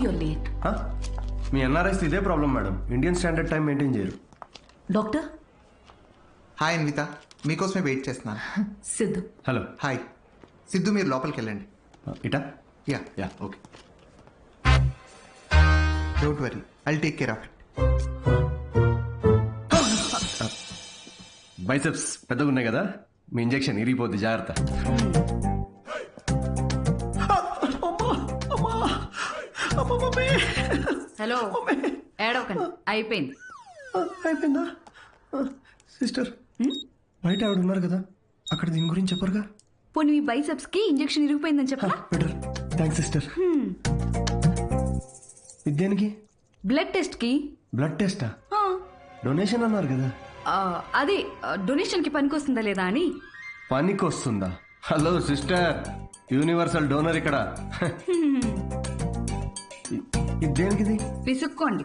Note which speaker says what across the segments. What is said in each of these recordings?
Speaker 1: you're late.
Speaker 2: మీ NRIs ఇదే problem madam. Indian standard time maintain చేయరు.
Speaker 1: డాక్టర్
Speaker 3: హాయ్ అన్విత, మీకోసమే వెయిట్ చేస్తున్నాను.
Speaker 1: సిద్ధు.
Speaker 2: హలో.
Speaker 3: హాయ్ సిద్ధు, మీరు లోపలికి వెళ్ళండి.
Speaker 2: ఇటా?
Speaker 3: Yeah
Speaker 2: yeah okay.
Speaker 3: Don't worry, I'll take care of it.
Speaker 2: Biceps పెద్దగా ఉన్నాయి కదా, మీ ఇంజెక్షన్ ఇరిగిపోద్ది, జాగ్రత్త.
Speaker 1: హలో, ఏడవకండి, అయిపోయింది.
Speaker 2: అయిపోయిందా? సిస్టర్, బయట ఆవిడ ఉన్నారు కదా, అక్కడ దీని గురించి చెప్పరుగా?
Speaker 1: పోనీ మీ బైసెప్స్ కి ఇంజెక్షన్ ఇరిగిపోయిందని చెప్పరా?
Speaker 2: బెటర్. Thanks sister. ఇదేనికి?
Speaker 1: బ్లడ్ టెస్ట్ కి.
Speaker 2: బ్లడ్ టెస్టా? డొనేషన్ అన్నారు కదా.
Speaker 1: అదే డొనేషన్ కి పనికొస్తుందా లేదా అని.
Speaker 2: పనికొస్తుందా? హలో సిస్టర్, యూనివర్సల్ డోనర్ ఇక్కడ. ఇదేనికిది?
Speaker 1: విసుక్కోండి.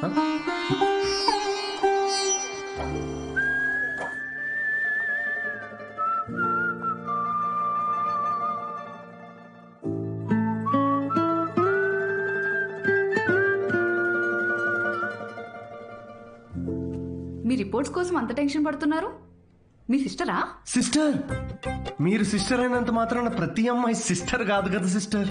Speaker 1: మీ రిపోర్ట్స్ కోసం అంత టెన్షన్ పడుతున్నారు? మీ సిస్టరా?
Speaker 2: సిస్టర్? మీరు సిస్టర్ అయినంత మాత్రాన ప్రతి అమ్మాయి సిస్టర్ కాదు కదా సిస్టర్.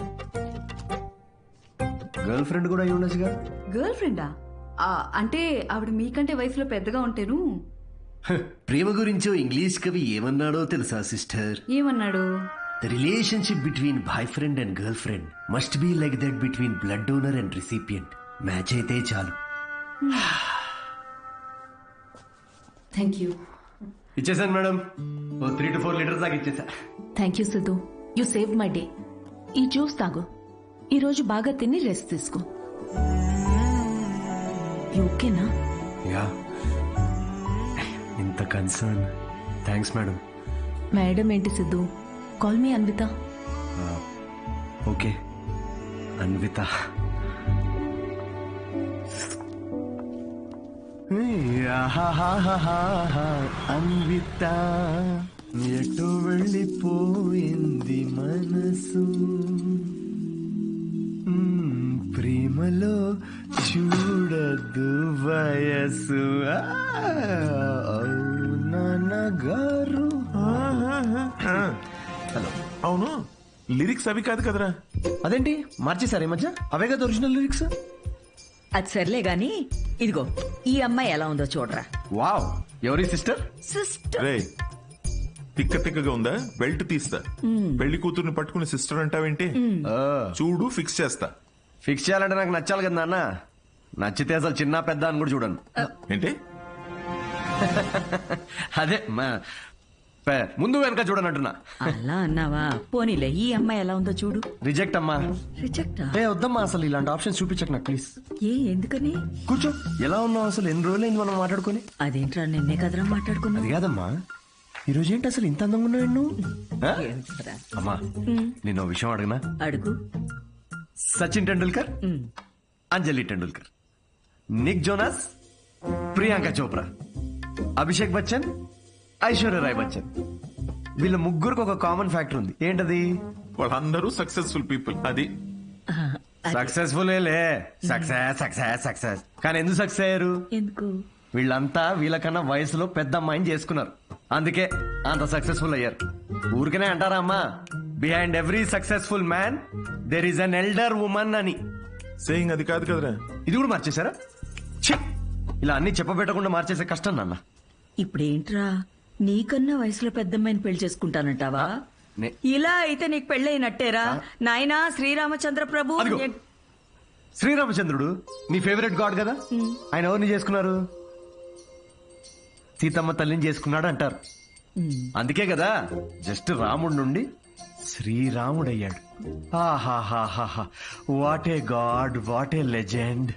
Speaker 2: గర్ల్ ఫ్రెండ్ కూడా అయి ఉండొచ్చుగా.
Speaker 1: గర్ల్ ఫ్రెండా? అంటే ఆవిడ మీకంటే వయసులో పెద్దగా ఉంటేను.
Speaker 2: ప్రేమ గురించో ఇంగ్లీష్ కవి ఏమన్నాడో తెలుసా సిస్టర్?
Speaker 1: ఏమన్నాడు?
Speaker 2: The relationship between boyfriend and girlfriend must be like that between blood donor and recipient. Match అయితే చాలు.
Speaker 1: Thank you.
Speaker 2: ఇచ్చేసాను మేడం. 3 to 4 లీటర్స్ దాకా ఇచ్చేసా.
Speaker 4: Thank you Siddhu, you save my day. ఈ జ్యూస్ తాగు, ఈరోజు బాగా తిని రెస్ట్ తీసుకో. ఓకేనా?
Speaker 2: యా. ఇంత కన్సర్న్. Thanks madam.
Speaker 4: మేడం ఏంటి Siddhu, call me Anvitha.
Speaker 2: Okay Anvitha. Anvitha ఎటు వెళ్ళిపోయింది మనసు, ప్రేమలో చూడదు వయసు. నాన్నగారు.
Speaker 5: హలో. అవును, లిరిక్స్ అవి కాదు కదరా?
Speaker 2: అదేంటి మార్చేశారు ఈ మధ్య? అవే కదా ఒరిజినల్ లిరిక్స్.
Speaker 6: అది సర్లే గాని, ఇదిగో ఈ అమ్మాయి ఎలా ఉందో చూడరా.
Speaker 2: వావ్, ఎవరి సిస్టర్?
Speaker 6: సిస్టర్.
Speaker 5: రే, తిక్క తిక్కగా ఉందా? బెల్ట్ తీస్తా. పెళ్లి కూతుర్ని పట్టుకుని సిస్టర్ అంటావేంటి? చూడు, ఫిక్స్ చేస్తా.
Speaker 2: ఫిక్స్ చేయాలంటే నాకు నచ్చాలి కదా నాన్న. నచ్చితే అసలు చిన్న పెద్ద అని కూడా చూడను.
Speaker 5: ఏంటి?
Speaker 2: అదే ముందు వెనక చూడనంటున్నా.
Speaker 6: అలా అన్నావా? పోనీలే, ఈ అమ్మాయి ఎలా ఉందో చూడు.
Speaker 2: రిజెక్ట్ అమ్మా.
Speaker 6: రిజెక్టా?
Speaker 2: వద్దమ్మా, అసలు ఇలాంటి ఆప్షన్ చూపించకు నాకు ప్లీజ్.
Speaker 6: ఎందుకని?
Speaker 2: కూర్చో. ఎలా ఉన్నావు అసలు? ఎన్ని రోజులైంది మనం మాట్లాడుకుని?
Speaker 6: అదేంట్రా, నిన్నే కదరా మాట్లాడుకున్నా.
Speaker 2: అది కాదమ్మా, ఈ రోజు ఏంటి అసలు ఇంత అందంగా ఉన్నావు నువ్వు? అమ్మా, నేను విషయం అడగనా?
Speaker 6: అడుగు.
Speaker 2: సచిన్ టెండూల్కర్, అంజలి టెండూల్కర్, నిక్ జోనాస్, ప్రియాంక చోప్రా, అభిషేక్ బచ్చన్, ఐశ్వర్య రాయ్ బచ్చన్, వీళ్ళ ముగ్గురికి ఒక కామన్ ఫ్యాక్టర్ ఉంది. ఏంటది?
Speaker 5: వాళ్ళందరూ సక్సెస్ఫుల్ పీపుల్. అది
Speaker 2: సక్సెస్ఫుల్. Success success success. కానీ ఎందుకు సక్సెస్ అయ్యారు?
Speaker 6: ఎందుకు?
Speaker 2: వీళ్ళంతా వీళ్ళకన్నా వయసులో పెద్ద అమ్మాయిని చేసుకున్నారు, అందుకే అంత సక్సెస్ఫుల్ అయ్యారు. ఊరికనే అంటారా అమ్మా, behind every successful man there is an elder woman అని.
Speaker 5: సేయింగ్ అది కాదు కదరా?
Speaker 2: ఇది కూడా మార్చేశారా? ఛీ, ఇలా అన్ని చెప్పబెట్టకుండా మార్చేసే కష్టం నాన్న.
Speaker 6: ఇప్పుడేంట్రా, నీకన్నా వయసులో పెద్దమ్మాయిని పెళ్లి చేసుకుంటానంటావా? ఇలా అయితే నీకు పెళ్ళైనట్టేరా నాయనా. శ్రీరామచంద్ర ప్రభు.
Speaker 2: శ్రీరామచంద్రుడు నీ ఫేవరెట్ గాడ్ కదా, ఆయన ఎవరిని చేసుకున్నారు? సీతమ్మ తల్లిని చేసుకున్నాడు అంటారు. అందుకే కదా జస్ట్ రాముడి నుండి శ్రీరాముడయ్యాడు. ఆహాహాహా, what a god, what a legend.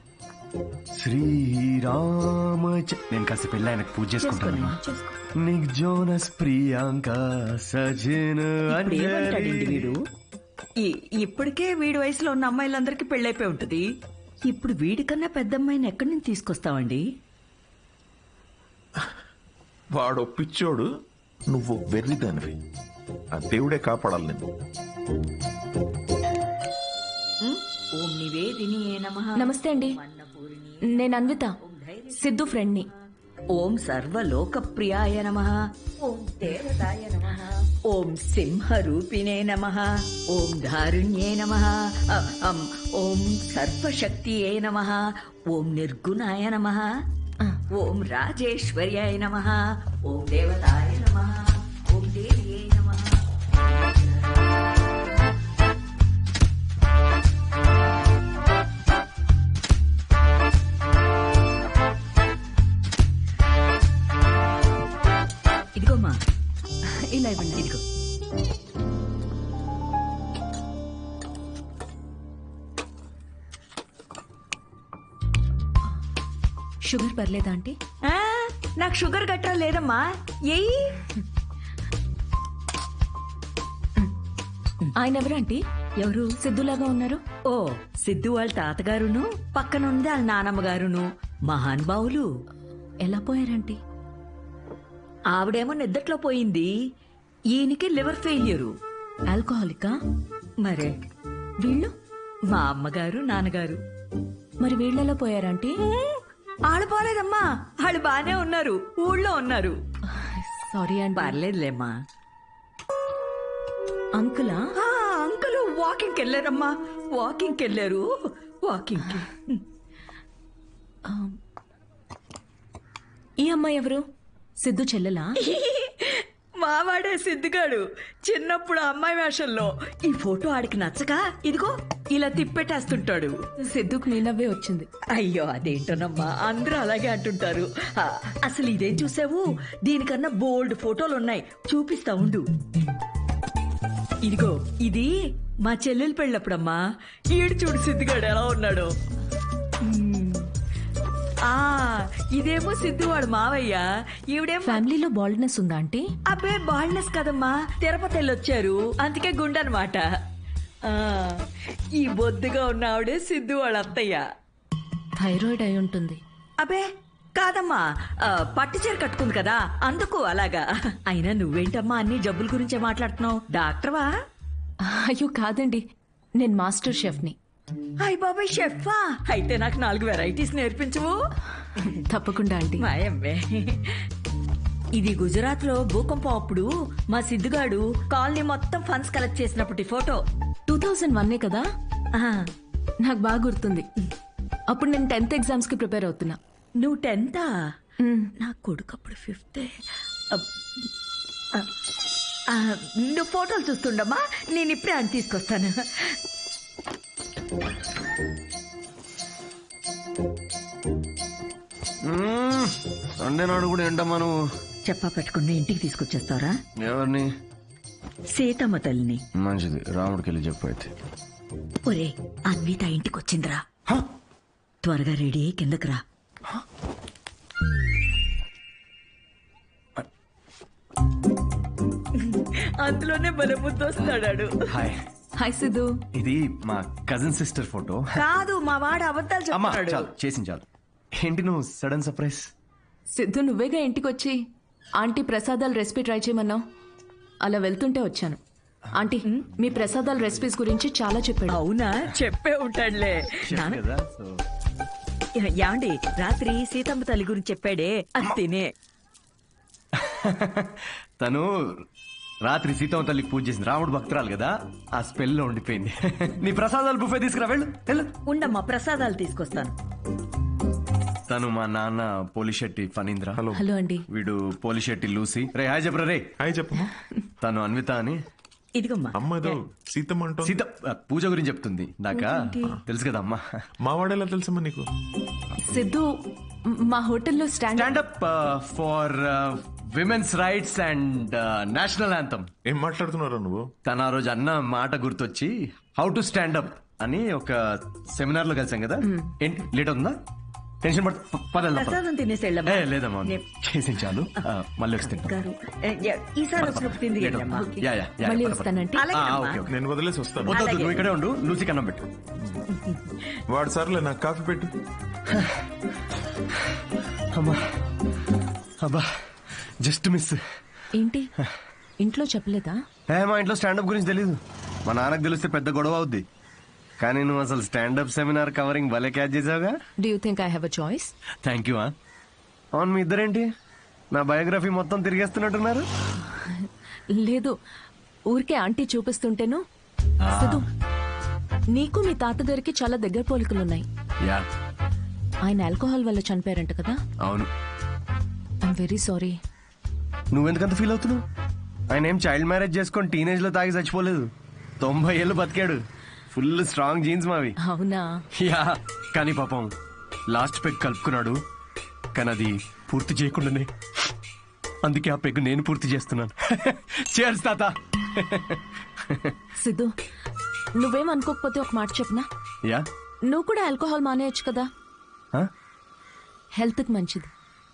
Speaker 2: Srirama. నేను కాస్త పెళ్ళి ఆయనకు పూజ చేసుకుంటాను. నిక్ జోనస్, ప్రియాంక, సజిన్,
Speaker 6: వీడు ఇప్పటికే వీడి వయసులో ఉన్న అమ్మాయిలందరికీ పెళ్ళైపోయి ఉంటది. ఇప్పుడు వీడికన్నా పెద్దమ్మాయిని ఎక్కడి నుంచి తీసుకొస్తావండి?
Speaker 5: వాడు పిచ్చోడు, నువ్వు వెర్రిదానివి. ఆ దేవుడే కాపాడాలి నేను.
Speaker 6: ఓం నివేదిని నమః.
Speaker 4: నమస్తే అండి. నేను అన్విత, సిద్ధు ఫ్రెండ్ని.
Speaker 6: ఓం సర్వలోకప్రియాయ నమః. ఓం దేవతాయ నమః. ఓం సింహరూపిణే నమః. ఓం ధారుణ్యే నమః. ఓం సర్వశక్తియే నమః. ఓం నిర్గుణాయ నమః. ఓం రాజేశ్వర్యాయ నమః. ఓం దేవతాయ నమః. ఓం దేవ్యే నమః. ఇదిగోమ్మా,
Speaker 1: ఇలా ఇవ్వండి.
Speaker 6: ఇదిగో.
Speaker 4: షుగర్ పర్లేదా ఆంటీ?
Speaker 6: ఆ, నాకు షుగర్ గట్రా లేదమ్మా. ఏయ్,
Speaker 4: ఆయన ఎవరు ఆంటీ?
Speaker 6: ఎవరు?
Speaker 4: సిద్ధులాగా ఉన్నారు.
Speaker 6: ఓ, సిద్ధు వాళ్ళ తాతగారును పక్కనుంది వాళ్ళ నానమ్మ గారును మహానుభావులు.
Speaker 4: ఎలా పోయారంటీ?
Speaker 6: ఆవిడేమో నిద్దట్లో పోయింది, ఈయనకి లివర్ ఫెయిల్యూరు.
Speaker 4: ఆల్కహాలికా?
Speaker 6: మరే
Speaker 4: వీళ్ళు?
Speaker 6: మా అమ్మగారు నాన్నగారు.
Speaker 4: మరి వీళ్ళెలా పోయారంటీ?
Speaker 6: ఆళ్ళు పోలేదమ్మా, వాళ్ళు బానే ఉన్నారు, ఊళ్ళో ఉన్నారు.
Speaker 4: సారీ అండి.
Speaker 6: పర్లేదులేమ్మా.
Speaker 4: అంకులా?
Speaker 6: ఆ, అంకులు వాకింగ్కి వెళ్ళారమ్మా, వాకింగ్కి వెళ్ళారు. వాకింగ్కి.
Speaker 4: ఈ అమ్మాయి ఎవరు? సిద్ధు చెల్లెలా?
Speaker 6: మావాడే సిద్ధిగాడు చిన్నప్పుడు అమ్మాయి వేషంలో. ఈ ఫోటో ఆడికి నచ్చక ఇదిగో ఇలా తిప్పెట్టేస్తుంటాడు.
Speaker 4: సిద్ధుకు నీ నవ్వే వచ్చింది.
Speaker 6: అయ్యో అదేంటోనమ్మా, అందరూ అలాగే అంటుంటారు. అసలు ఇదేం చూసావు, దీనికన్నా బోల్డ్ ఫోటోలు ఉన్నాయి, చూపిస్తా ఉండు. ఇదిగో ఇది మా చెల్లెలు పెళ్ళప్పుడమ్మా. ఈడు చూడు సిద్ధిగాడు ఎలా ఉన్నాడు. ఆ, ఇదేమో సిద్ధువాడు మావయ్య, ఈవిడేమో.
Speaker 4: ఫ్యామిలీలో బాల్డ్నెస్ ఉందా ఆంటీ?
Speaker 6: అబ్బే బాల్నెస్ కదమ్మా, తిరుపతి వెళ్ళొచ్చారు అందుకే గుండనమాట. ఈ బొద్దుగా ఉన్న ఆవిడే సిద్ధు వాళ్ళ అత్తయ్య.
Speaker 4: థైరాయిడ్ అయి ఉంటుంది.
Speaker 6: అబే కాదమ్మా, పట్టు చీర కట్టుకుంది కదా అందుకు అలాగా. అయినా నువ్వేంటమ్మా అన్ని జబ్బుల గురించే మాట్లాడుతున్నావు, డాక్టర్వా?
Speaker 4: అయ్యో కాదండి, నేను మాస్టర్ షెఫ్ని.
Speaker 6: అయ్య బాబాయ్ షెఫా, అయితే నాకు 4 వెరైటీస్ నేర్పించవు.
Speaker 4: తప్పకుండా ఆంటీ.
Speaker 6: మాయమ్మే. ఇది గుజరాత్ లో భూకంపం అప్పుడు మా సిద్ధుగాడు కాలనీ మొత్తం ఫండ్స్ కలెక్ట్ చేసినప్పటి ఫోటో.
Speaker 4: 2001 కదా?
Speaker 6: ఆహా.
Speaker 4: నాకు బాగా గుర్తుంది. అప్పుడు నేను 10th ఎగ్జామ్స్ కి ప్రిపేర్ అవుతున్నా.
Speaker 6: నువ్వు 10th?
Speaker 4: మ్.
Speaker 6: నా కొడుకు అప్పుడు 5th. నువ్వు ఫోటోలు చూస్తుండమ్మా, నేను ఇప్పుడే అని తీసుకొస్తాను.
Speaker 2: సండే నాడు కూడా ఏంటమ్మా నువ్వు?
Speaker 6: చెప్పా పెట్టుకుని ఇంటికి తీసుకొచ్చేస్తారా?
Speaker 2: ఎవరిని?
Speaker 6: సీతమ్మ తల్లిని.
Speaker 2: మంచిది, రాముడికి వెళ్ళి చెప్పు అయితే.
Speaker 6: ఒరే, అన్విత ఇంటికి వచ్చిందిరా, త్వరగా రెడీ అయ్యి కిందకి రా. అందులోనే బలముద్దొస్తాడు.
Speaker 2: హాయ్.
Speaker 4: హాయ్ సిద్ధు.
Speaker 2: ఇది మా కజిన్ సిస్టర్ ఫోటో.
Speaker 6: కాదు, మా వాడు అబద్ధాలు
Speaker 2: అమ్మా
Speaker 6: చెప్తాడు.
Speaker 2: చాలు, చేసింది చాలు. ఏంటి నువ్వు సడన్ సర్ప్రైజ్?
Speaker 4: సిద్ధు నువ్వేగా ఇంటికి వచ్చి ఆంటీ ప్రసాదాల రెసిపీ ట్రై చేయమన్నావు. అలా వెళ్తుంటే వచ్చాను. ఆంటీ మీ ప్రసాదాల రెసిపీస్ గురించి చాలా చెప్పాడు.
Speaker 6: అవునా, చెప్పే ఉంటాడులే.
Speaker 2: కదా, సో
Speaker 6: యాండి రాత్రి సీతమ్మ తల్లి గురించి చెప్పాడే, అది తినే.
Speaker 2: తను రాత్రి సీతమ్మ తల్లికి పూజ చేసింది, రాముడు భక్తురాలు కదా, ఆ స్పెల్ లో ఉండిపోయింది. నీ ప్రసాదాలు బుఫే తీసుకురా, వెళ్ళు వెళ్ళు.
Speaker 6: ఉండమ్మా, ప్రసాదాలు తీసుకొస్తాను.
Speaker 2: తను మా నాన్న పోలిశెట్టి ఫణీంద్ర.
Speaker 5: హలో.
Speaker 4: హలో అండి.
Speaker 2: వీడు పోలిశెట్టి లూసి. రే హాయ్ చెప్పరా రే.
Speaker 5: హాయ్ చెప్పమ్మా.
Speaker 2: తను అన్విత అని.
Speaker 6: ఇదిగమ్మా.
Speaker 5: అమ్మ ఏదో సీతమ్మ అంటో.
Speaker 2: సీత పూజ గురించి చెప్తుంది. నాకా తెలుసు కదా అమ్మా.
Speaker 5: మా వాడేలా తెలుసమ్మా నీకు?
Speaker 4: సిద్ధు మా హోటల్లో
Speaker 2: stand up for women's rights and national anthem.
Speaker 5: ఏం మాట్లాడుతున్నారా నువ్వు?
Speaker 2: తన ఆ రోజు అన్న మాట గుర్తొచ్చి హౌ టు స్టాండప్ అని ఒక సెమినార్ లో కలిసాం కదా. ఏంటి లేట్ అవుతుందా? టెన్షన్
Speaker 6: ప్రసాదం తినేసి వెళ్ళమ్మా.
Speaker 2: లేదమ్మా, చేసి చాలు. మళ్ళీ వస్తే
Speaker 6: గారు, ఈసారి వచ్చినప్పుడు తింది వెళ్ళమ్మా.
Speaker 4: మళ్ళీ వస్తానంటే.
Speaker 6: అలాగేనమ్మా.
Speaker 5: నేను వదిలేసి వస్తాను.
Speaker 2: వద్దు, నువ్వు ఇక్కడే ఉండు, లూసి కన్నం పెట్టు.
Speaker 5: వాడు సర్లే, నాకు కాఫీ పెట్టు.
Speaker 2: అమ్మా అబ్బా, జస్ట్ మిస్.
Speaker 4: ఏంటి ఇంట్లో చెప్పలేదా?
Speaker 2: మా ఇంట్లో స్టాండప్ గురించి తెలీదు. మా నాన్నకు తెలిస్తే పెద్ద గొడవ అవుద్ది. కానీ నువ్వు అసలు స్టాండప్ సెమినార్ కవరింగ్ భలే క్యాచ్ చేసావుగా.
Speaker 4: Do you think I have a choice?
Speaker 2: Thank you. అవును, మీ ఇద్దరేంటి నా బయోగ్రఫీ మొత్తం తిరిగేస్తున్నట్టున్నారు?
Speaker 4: లేదు, ఊరికే ఆంటీ చూపిస్తుంటేను. సిద్ధు, నీకు మీ తాతగారికి చాలా దగ్గర పోలికలున్నాయి.
Speaker 2: యా,
Speaker 4: ఆయన ఆల్కహాల్ వల్ల చనిపోయారంట కదా?
Speaker 2: అవును.
Speaker 4: I'm very sorry.
Speaker 2: నువ్వెందుకంత ఫీల్ అవుతున్నావు? ఆయన ఏం చైల్డ్ మ్యారేజ్ చేసుకొని టీనేజ్ లో తాగి చచ్చిపోలేదు. 90 ఏళ్ళు బతికాడు. ఫుల్ స్ట్రాంగ్ జీన్స్ మావి.
Speaker 4: అవునా?
Speaker 2: యా, కానీ పాపం లాస్ట్ పెగ్ కలుపుకున్నాడు. కానీ అది పూర్తి చేయకుండానే, అందుకే ఆ పెగ్ నేను పూర్తి చేస్తున్నాను. చేర్స్ తాత.
Speaker 4: సిద్ధు, నువ్వేం అనుకోకపోతే ఒక మాట చెప్పనా?
Speaker 2: యా.
Speaker 4: నువ్వు కూడా ఆల్కహాల్ మానేయచ్చు కదా, హెల్త్కి మంచిది.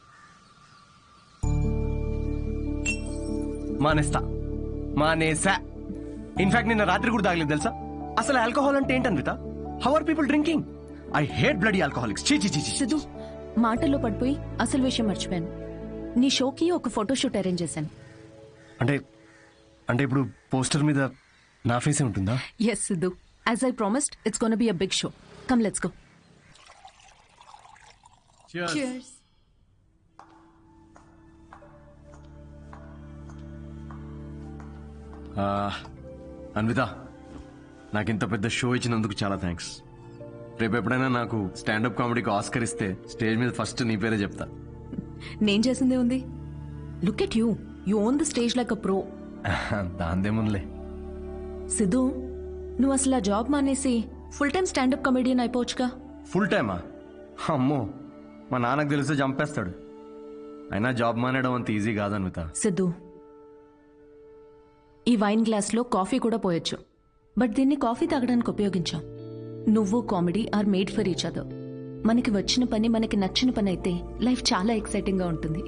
Speaker 2: మానేసా. ఇన్ఫాక్ట్ నిన్న రాత్రి కూడా తాగలేదు తెలుసా. అసలు ఆల్కహాల్ అంటే ఏంటన్విత? How are people drinking? I hate bloody alcoholics. చీ చీ చీ.
Speaker 4: సిద్ధు, మాటల్లో పడిపోయి అసలు విషయం మర్చిపోయాను. నీ షోకి ఒక ఫోటోషూట్ అరేంజ్ చేశాను.
Speaker 2: అంటే అంటే ఇప్పుడు పోస్టర్ మీద నా ఫేసే ఉంటుందా?
Speaker 4: Yes Siddhu, as I promised, it's gonna be a big show. Come let's go.
Speaker 1: Cheers.
Speaker 2: Anvitha, నాకు ఇంత పెద్ద షో ఇచ్చినందుకు చాలా థ్యాంక్స్. రేపు ఎప్పుడైనా నాకు స్టాండప్ కామెడీకి ఆస్కర్ ఇస్తే స్టేజ్ మీద ఫస్ట్ నీ పేరే చెప్తా.
Speaker 4: నేను చేసిందే ఉంది. Look at you, you own the stage like a pro.
Speaker 2: దాందేముందిలే.
Speaker 4: సిద్ధు, నువ్వు అసలు ఆ జాబ్ మానేసి ఫుల్ టైం స్టాండప్ కమెడియన్ అయిపోవచ్చుగా.
Speaker 2: ఫుల్ టైమా? అమ్మో, మా నాన్నకు తెలిస్తే చంపేస్తాడు. అయినా జాబ్ మానేయడం అంత ఈజీ కాదన్విత.
Speaker 4: సిద్ధు, ఈ వైన్ గ్లాస్లో కాఫీ కూడా పోయొచ్చు, బట్ దీన్ని కాఫీ తాగడానికి ఉపయోగించాం. నువ్వు comedy are made for each other. మనకి వచ్చిన పని మనకి నచ్చిన పని అయితే లైఫ్ చాలా ఎక్సైటింగ్ గా ఉంటుంది.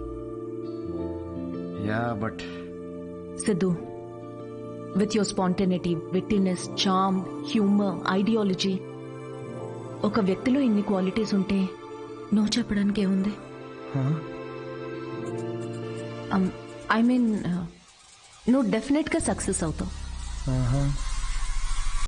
Speaker 2: Yeah, but
Speaker 4: Siddhu, with your spontaneity, wittiness, charm, humour, ideology, ఒక వ్యక్తిలో ఇన్ని క్వాలిటీస్ ఉంటే నో చెప్పడానికి ఏముంది? ఐ మీన్, నువ్వు డెఫినెట్గా సక్సెస్ అవుతావు.